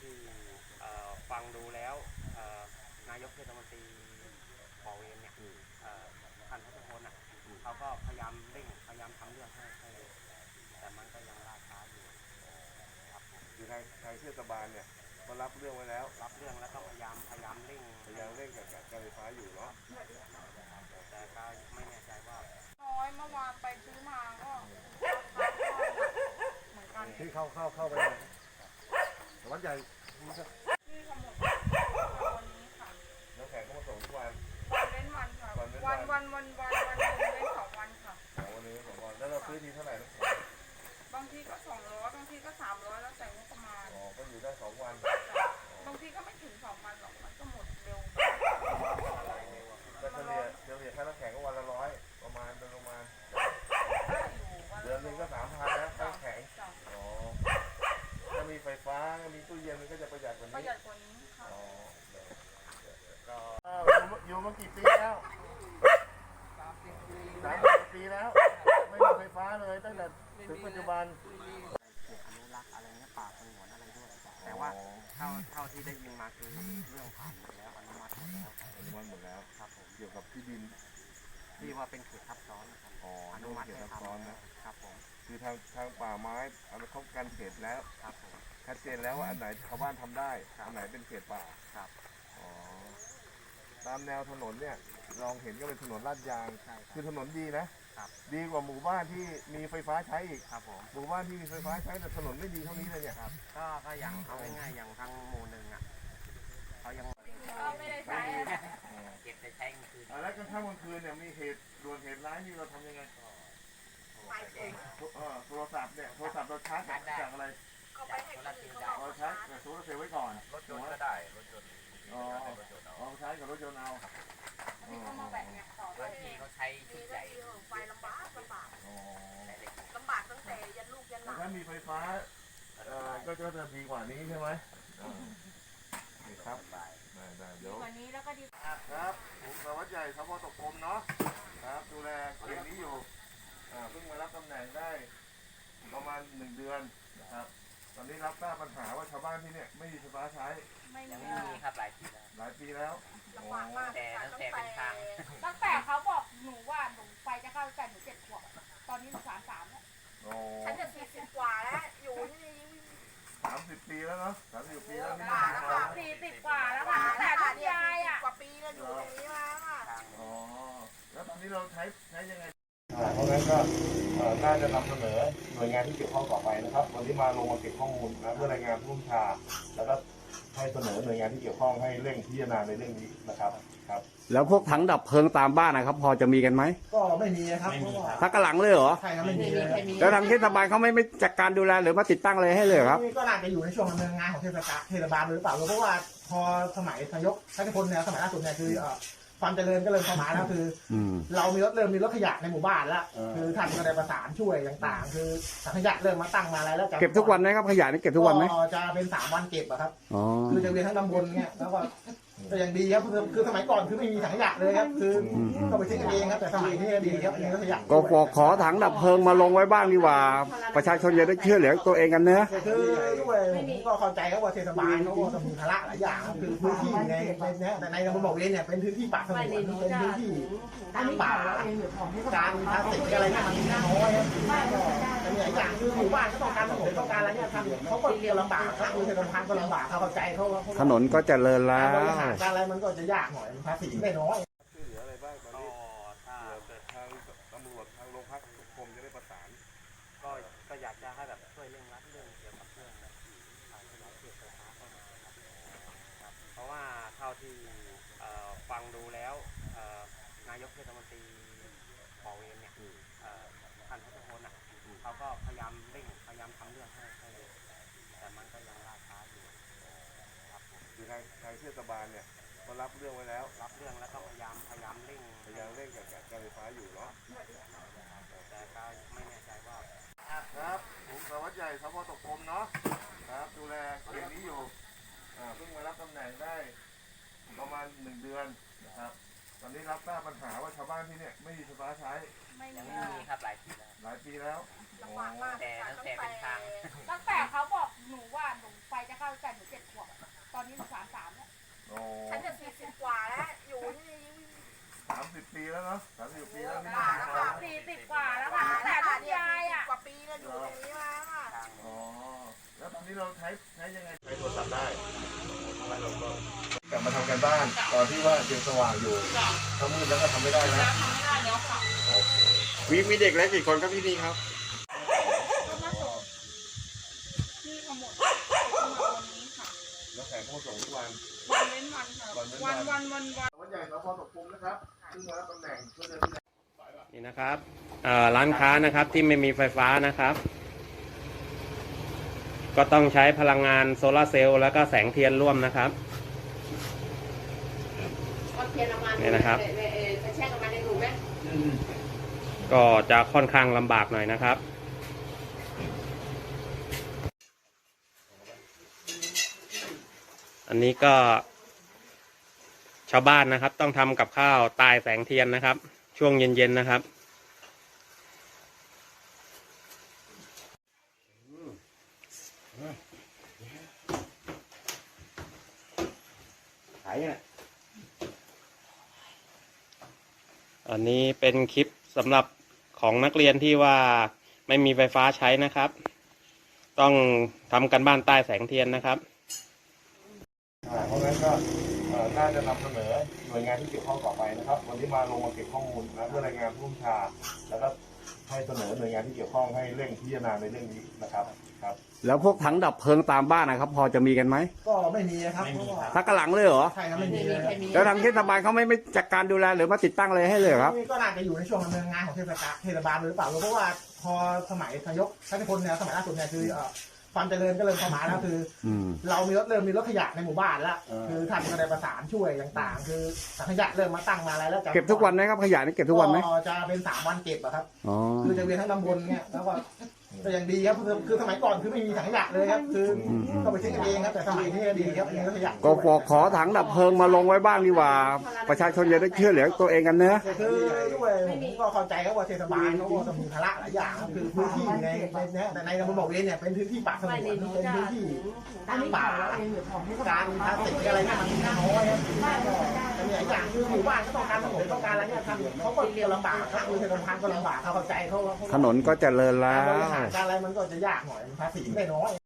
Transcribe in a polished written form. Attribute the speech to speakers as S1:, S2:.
S1: ที่ฟังดูแล้วนายกเทศมนตรีบ่อเวนเนี่ยท่านทัศพลเขาก็พยายามเร่งพยายามทำเรื่องให้แต่มันก็ยังล่าช้าอยู่ครับ
S2: คือทางเทศบาลเนี่ยก็รับเรื่องไว้แล้ว
S1: รับเรื่องแล้วก็พยายามเร่ง
S2: กับการไฟฟ้าอยู่เนาะ
S1: แต่ก็ไม่แน่ใจว่า
S3: น้อยเมื่อวานไปซื้อมาก็เหมือนกัน
S2: ที่เข้าไปเลยวัดใหญ่
S3: ที่ขโมยวันนี้ค่ะ
S2: น้ำแข็งก็มาส่งทุกวัน
S3: วันเว้นวันค่ะวันเว้น2 วันค่ะ
S2: วันนี้2 วันแล้วเราซื้อทีเท่าไหร่น้ำแข็ง
S3: บางทีก็200บางทีก็300แล้วแต่งบประมาณ
S2: ก็อยู่ได้2 วัน
S3: บางทีก็ไม่ถึง2 วันหรอกมันก็หมดเร็ว
S2: ก็เฉลี่ยค่าน้ำแข็งก็วันละ100ประมาณเดือนนึงก็3,000แล้วค่าน้ำแข็งถ้ามีไฟฟ้ามีตู้เย็นมันก็จะประหยัดกว่านี้
S3: ค่ะ
S2: อยู่มากี่ปีแล้ว30 ปีแล้วไม่มีไฟฟ้าเลยตั้งแต่ถึงปัจจุบัน
S1: เขตอนุรักษ์อะไรเงี้ยป่าสงวนอะไรด้วยแต่ว่าเท่าที่ได้ยินมาคือเรื่องผ่านหมดแล้วอนุมัติหมดแล้วครับผม
S2: เกี่ยวกับที่ดิน
S1: ที่ว่าเป็นเขตทับซ้อนนะครับอนุมัติให้ทำนะครับผม
S2: คือทางป่าไม้เขากันเขตแล้ว
S1: ครับผม
S2: ชัดเจนแล้วว่าอันไหนชาวบ้านทำได้อันไหนเป็นเขตป่า
S1: ครับ
S2: ตามแนวถนนเนี่ยลองเห็นก็เป็นถนนลาดยางคือถนนดีนะ
S1: ครับ
S2: ดีกว่าหมู่บ้านที่มีไฟฟ้าใช้อีก
S1: ครับผม
S2: หมู่บ้านที่มีไฟฟ้าใช้แต่ถนนไม่ดีเท่านี้เลยเนี่ย
S1: ครับก็อย่างเอาง่ายๆอย่างทางหมู่1เขายัง
S3: ไม่ได้ใช้
S1: เก็บไปใช้กลางคืน
S2: แล้วกลางคืนเนี่ยมีเหตุด่วนเหตุร้ายนี่เราทำยังไงโทรศัพท์เราชาร์จจากอะไรเราชาร์จกับโซลาร์เซลล์ไว้ก่อน
S1: รถยนต์ก็ได้รถยนต์
S2: ใช้กับรถยนต์เอา
S1: บางทีเขาใช้ชุดใหญ่
S3: ไฟลำบากตั้งแต่ยันลูกยันหลาน
S2: ถ้ามีไฟฟ้าก็จะดีกว่านี้ใช่ไหมนี่ครับได้เดี๋ยว
S3: วันนี้แล้วก็ดี
S2: ครับผมสารวัตรใหญ่สพตกกรมเนาะครับดูแลเขตนี้อยู่เพิ่งมารับตำแหน่งได้ประมาณ1 เดือนนะครับตอนนี้รับทราบปัญหาว่าชาวบ้านที่เนี่ยไม่มีไฟฟ้าใช้
S1: ยังไม่มีครับหลายปีแล้ว
S3: ลำบากมาก
S1: แต่เป็นทาง
S3: ตั้งแต่เขาบอกหนูว่าหนูไปจะเข้าแต่หนู7 ขวบตอนนี้หนู33แล้วฉันจะ40 กว่าแล้วอยู่ที่นี่
S2: 30 ปีแล้วเนาะ30 ปีแล้วนี่
S3: 40 กว่าแล้วค่ะแต่คุณยายกว่าปีแล้วอยู่ตรงนี้มาค่ะ
S2: แล้วตอนนี้เราใช้ยังไงเพราะงั้นก็น่าจะนำเสนอหน่วยงานที่เกี่ยวข้องต่อไปนะครับวันนี้มาลงมาเก็บข้อมูลนะเพื่อรายงานผู้บัญชาแล้วก็ให้เสนอหน่วยงานที่เกี่ยวข้องให้เร่งพิจารณาในเรื่องนี้นะครับ
S4: แล้วพวกถังดับเพลิงตามบ้านนะครับพอจะมีกันไหม
S5: ก็ไม่มีนะครับ
S4: ทักกระหลังเลยเหรอ
S5: ใช่ครับไม่มีเลย
S4: แล้วทางเทศบาลเขาไม่จัดการดูแลหรือมาติดตั้งเลยให้เลยครับ
S5: ก็น่าจะอยู่ในช่วงดำเนินงานของเทศบาลหรือเปล่าเพราะว่าพอสมัยนายกทัชพลเนี่ยสมัยล่าสุดเนี่ยคือความเจริญก็เริ่มเข้ามาแล้วคือเราเริ่มมีรถขยะในหมู่บ้านแล้วคือท่านก็ได้ประสานช่วยต่างๆคือถังขยะเริ่มมาตั้งมาอะไรแล้ว
S4: เก็บทุกวันไหมครับขยะนี่เก็บทุกวันไหม
S5: จะเป็น3 วันเก็บอะครับคือจะเรียนทั้งตำบลเนี่ยแล้วก็อย่างดีครับคือสมัยก่อนคือไม่มีถังขยะเลยครับคือก็ไปทิ้งกันเองครับแต่สมัยนี้ดีครับมีรถขยะ
S4: ก็ขอถังดับเพลิงมาลงไว้บ้างดีกว่าประชาชนจะได้เชื่อเหลือตัวเองกันเนอะ
S5: คือด้วยผมก็เข้าใจครับว่าเทศบาลเขาก็มีภาระหลายอย่างคือพื้นที่ในแต่ในตำบลบ่อเวนเนี่ยเป็นพื้นที่ป่าสงวนเป็นพื้นที่ป่าการพลาสติกอะไรเนี่ยมันน้อยครับแต่มีหลายอย่างคือหมู่บ้านก็ต้องการถนนต้องการอะไรเนี่ยทำเขาก็ลำบากครับคือเทศบาลก็ลำบากเขาเข้าใจเขา
S4: ถนนก็เจริญแล้ว
S5: การอะไรมันก็จะยากหน่อยภาษีไม่น้อย
S2: ช่วยเหลืออะไรบ้างตอนนี้ถ้าเกิดทางตำรวจทางโรงพักกรมจะได้ประสาน
S1: ก็อยากจะให้แบบช่วยเร่งรัดเรื่องเกี่ยวกับเรื่องการขยายเขตไฟฟ้าเข้ามาครับเพราะว่าเท่าที่ฟังดูแล้วนายกเทศมนตรีบ่อเวนเนี่ยท่านทัศพลเขาก็พยายามเร่งพยายามทำเรื่องให้แต่มันก็ยังล่าช้าอยู่ครับ
S2: คือทางเทศบาลเนี่ยก็รับเรื่องไว้แล้ว
S1: รับเรื่องแล้วก็พยายามเร่ง
S2: กับการไฟฟ้าอยู่เนาะ
S1: แต่ก็ไม่แน่ใจว่า
S2: ครับผมสารวัตรใหญ่สพตกกรมเนาะครับดูแลเขตนี้อยู่เพิ่งมารับตำแหน่งได้ประมาณ1 เดือนนะครับตอนนี้รับทราบปัญหาว่าชาวบ้านที่เนี่ยไม่มีไฟฟ้าใช้
S1: ยังไม่มีครับหลายปีแล้ว
S3: ลำบากมาก
S1: แต่เป็นทาง
S3: ตั้งแต่เขาบอกหนูว่าหนูไปจะเข้าแต่หนู7 ขวบ
S2: ใช้ยังไงใช้โทรศัพท์ได้แล้วเราก็กลับมาทำกันบ้านตอนที่ว่ายังสว่างอยู่ถ้ามืดแล้วก็ทำไม่ได้นะ
S3: ทำไม่ได้แล้วค่ะ
S4: มีเด็กเล็กกี่คนครับที่นี่ครับ
S3: ก็มาส่งนี่ทั้งหมดส่งมาวันนี้ค่ะ
S2: แล้วแขกก็ส่งทุกวัน
S3: วันเว้นวันค่ะ
S2: วันเว้นวั
S3: วัน
S2: น วัดใหญ่สพตกคุมนะครับซึ่งมารับตำแหน่งเพื่อจะดูแล
S1: นี่นะครับร้านค้านะครับที่ไม่มีไฟฟ้านะครับ ก็ต้องใช้พลังงานโซลาร์เซลล์แล้วก็แสงเทียนร่วมนะครับนี่นะครับก็จะค่อนข้างลำบากหน่อยนะครับ อันนี้ก็ชาวบ้านนะครับต้องทำกับข้าวใต้แสงเทียนนะครับ ช่วงเย็นๆนะครับ
S4: ขายเนี่ย
S1: อันนี้เป็นคลิปสำหรับของนักเรียนที่ว่าไม่มีไฟฟ้าใช้นะครับ ต้องทำกันบ้านใต้แสงเทียนนะครับ
S2: เพราะงั้นก็น่าจะนำเสนอหน่วยงานที่เกี่ยวข้องต่อไปนะครับ วันนี้มาลงมาเก็บข้อมูลนะเพื่อรายงานผู้บัญชาแล้วก็ให้เสนอหน่วยงานที่เกี่ยวข้องให้เร่งพิจารณาในเรื่องนี้นะครับครับ
S4: แล้วพวกถังดับเพลิงตามบ้านนะครับ พอจะมีกันไหม
S5: ก็ไม่มีนะครับ
S2: ไม่มีครับ
S4: ทักกะหลังเลยเหรอ
S5: ใช่ครับไม่มีเลยครับ
S4: แล้วทางเทศบาลเขาไม่จัดการดูแลหรือมาติดตั้งอะไรให้เลยเหรอครับ
S5: ก็น่าจะอยู่ในช่วงดำเนินงานของเทศบาลหรือเปล่าเพราะว่าพอสมัยนายกทัชพลเนี่ยสมัยล่าสุดเนี่ยคือความเจริญก็เริ่มเข้ามาแล้วคือ เราเริ่มมีรถขยะในหมู่บ้านแล้วคือท่านก็ได้ประสานช่วยต่างๆ คือถังขยะเริ่มมาตั้งมาแล้ว
S4: เก็บทุกวันไหมครับขยะนี่เก็บทุกวันไหม
S5: ก็จะเป็น3 วันเก็บอะครับ
S4: อ๋อ
S5: คือจะเวียนทั้งตำบลเนี่ยแล้วก็ยังดีครับคือสมัยก่อนคือไม่มีถังขยะเลยครับคือต้องไปทิ้งกันเองครับแต่สมัยนี้ดีครับมีรถขยะ
S4: ก็บอกขอถังดับเพลิงมาลงไว้บ้างดีกว่า ประชาชนจะได้ช่วยเหลือตัวเองกันเนอะ
S5: คือด้วยผมก็เข้าใจครับว่าเทศบาลเขาก็ต้องมีภาระหลายอย่างครับคือพื้นที่ในแต่ในตำบลบอกเวียนเนี่ยเป็นพื้นที่ป่าสงวนเป็นพื้นที่ป่าการทาสีอะไรเนี่ยมันน้อยครับแต่มีหลายอย่างคือหมู่บ้านก็ต้องการถนนต้องการอะไรเนี่ยทำเขาก็เรียลำบากครับคือเทศบาลก็ลำบากเขาเข้าใจเขา
S4: ถนนก็เจริญแล้
S5: การบริ
S4: ว
S5: หารการอะไรมันก็จะยากหน่อยภาษีได้น้อย